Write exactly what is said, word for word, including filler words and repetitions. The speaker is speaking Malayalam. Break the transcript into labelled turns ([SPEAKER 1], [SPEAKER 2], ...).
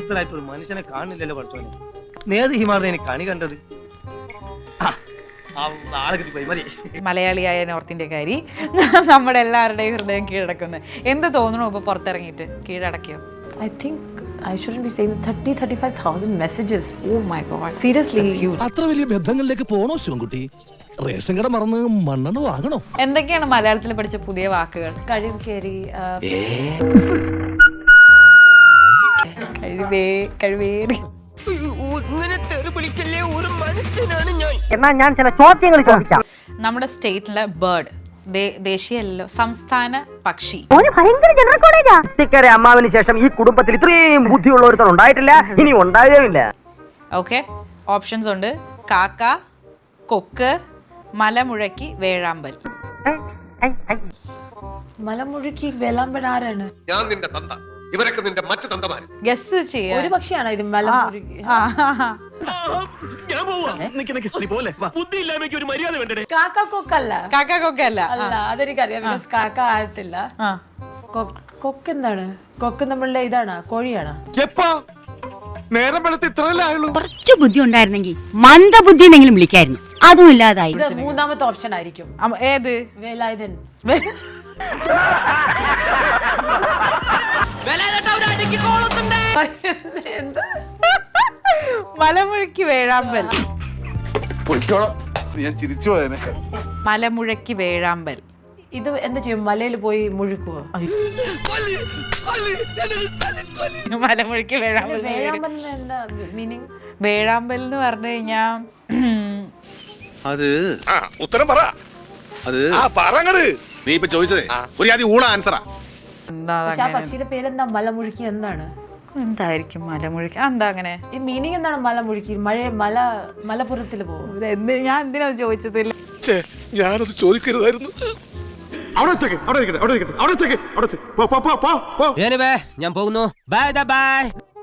[SPEAKER 1] പ്രശസ്തനായിട്ട് ഒരു മനുഷ്യനെ കാണില്ലല്ലോ പഠിച്ചോനെ. നേത് ഹിമാറിനെ എനിക്ക് കണി കണ്ടത്. ആളെ കിട്ടിപ്പോയി മതി.
[SPEAKER 2] മലയാളിയായ നോർത്ത് ഇന്ത്യക്കാരി നമ്മുടെ എല്ലാവരുടെയും ഹൃദയം കീഴടക്കുന്നു. എന്ത് തോന്നണോ ഇപ്പൊ പുറത്തിറങ്ങിയിട്ട്? കീഴടക്കിയോ?
[SPEAKER 3] I think I shouldn't be saying thirty thirty-five thousand messages.
[SPEAKER 2] Oh my god.
[SPEAKER 3] Seriously.
[SPEAKER 4] അത്ര വലിയ ബന്ധങ്ങളിലേക്ക് പോണോ ശിവൻകുട്ടി? റേഷൻ കട മറന്ന് മണ്ണെണ്ണ വാങ്ങണോ?
[SPEAKER 2] എന്തൊക്കെയാണ് മലയാളത്തിൽ പഠിച്ച പുതിയ വാക്കുകൾ?
[SPEAKER 3] കഴിവ് കേറി
[SPEAKER 2] കഴിവേ കഴിവേറി.
[SPEAKER 5] എന്നാ ഞാൻ ചില ചോദ്യങ്ങൾ ചോദിക്കാം.
[SPEAKER 2] നമ്മുടെ സ്റ്റേറ്റിലെ ബേർഡ്, ദേശീയല്ലോ, സംസ്ഥാന പക്ഷി.
[SPEAKER 5] ഇക്കരെ അമ്മാവിന് ശേഷം ഈ കുടുംബത്തിൽ ഇത്രയും ബുദ്ധിയുള്ള ഒരുത്തൻ ഉണ്ടായിട്ടില്ല, ഇനി ഉണ്ടാകുകയില്ല.
[SPEAKER 2] ഓക്കെ, ഓപ്ഷൻസ് ഉണ്ട്. കാക്ക, കൊക്ക്, മലമുഴക്കി, വേഴാമ്പൽ.
[SPEAKER 3] മലമുഴക്കി വേലാമ്പൽ ആരാണ്?
[SPEAKER 6] ഞാൻ നിന്റെ തന്ത, ഇവരൊക്കെ നിന്റെ മറ്റു തന്തമാർ.
[SPEAKER 2] ഗസ് ചെയ്യാ.
[SPEAKER 3] ഒരു പക്ഷിയാണോ ഇത് മലമുഴക്കി? കാക്ക കൊക്കല്ല.
[SPEAKER 2] കാക്ക കൊക്കല്ല.
[SPEAKER 3] അല്ല, അതെനിക്കറിയാം. ബിക്കോസ് കാക്ക ആകത്തില്ല. കൊക്ക് എന്താണ്? കൊക്ക് നമ്മളുടെ ഇതാണ്, കോഴിയാണ്.
[SPEAKER 6] നേരം വെളുത്ത് ഇത്രയല്ലേ ആയുള്ളൂ.
[SPEAKER 7] കുറച്ച് ബുദ്ധി ഉണ്ടായിരുന്നെങ്കിൽ മന്ദബുദ്ധി എന്നെങ്കിലും വിളിക്കായിരുന്നു. അതും ഇല്ലാതായി.
[SPEAKER 3] ഇത് മൂന്നാമത്തെ ഓപ്ഷൻ ആയിരിക്കും.
[SPEAKER 2] ഏത്?
[SPEAKER 3] വേലായുധൻ.
[SPEAKER 2] മലമുഴക്കി വേഴാമ്പൽ.
[SPEAKER 6] ഞാൻ ചിരിച്ചു പോയനെ.
[SPEAKER 2] മലമുഴക്കി വേഴാമ്പൽ.
[SPEAKER 3] ഇത് എന്താ ചെയ്യും? മലയിൽ പോയി മുഴുക്കുവോ?
[SPEAKER 2] മലമുഴക്കി വേഴാമ്പൽ.
[SPEAKER 3] വേഴാമ്പൽ എന്താ മീനിങ്?
[SPEAKER 2] വേഴാമ്പൽ എന്ന് പറഞ്ഞു കഴിഞ്ഞാ
[SPEAKER 6] അത് ഉത്തരം പറ. അത് നീ ഇപ്പൊ ചോദിച്ചതേ ഒരു ആദ്യം ഊണ ആൻസറാ.
[SPEAKER 3] പക്ഷെ ആ പക്ഷിയുടെ പേരെന്താ? മലമുഴുക്കി എന്താണ്?
[SPEAKER 2] എന്തായിരിക്കും മലമുഴക്കി? എന്താ അങ്ങനെ? ഈ
[SPEAKER 3] മീനിങ് എന്താണ് മലമുഴുക്കി? മഴ മല മലപ്പുറത്തിൽ പോകും.
[SPEAKER 2] ഞാൻ എന്തിനാ ചോദിച്ചതില്ല?
[SPEAKER 6] ഞാനത് ചോദിക്കരുതായിരുന്നു.
[SPEAKER 8] ഞാൻ പോകുന്നു. Bye by.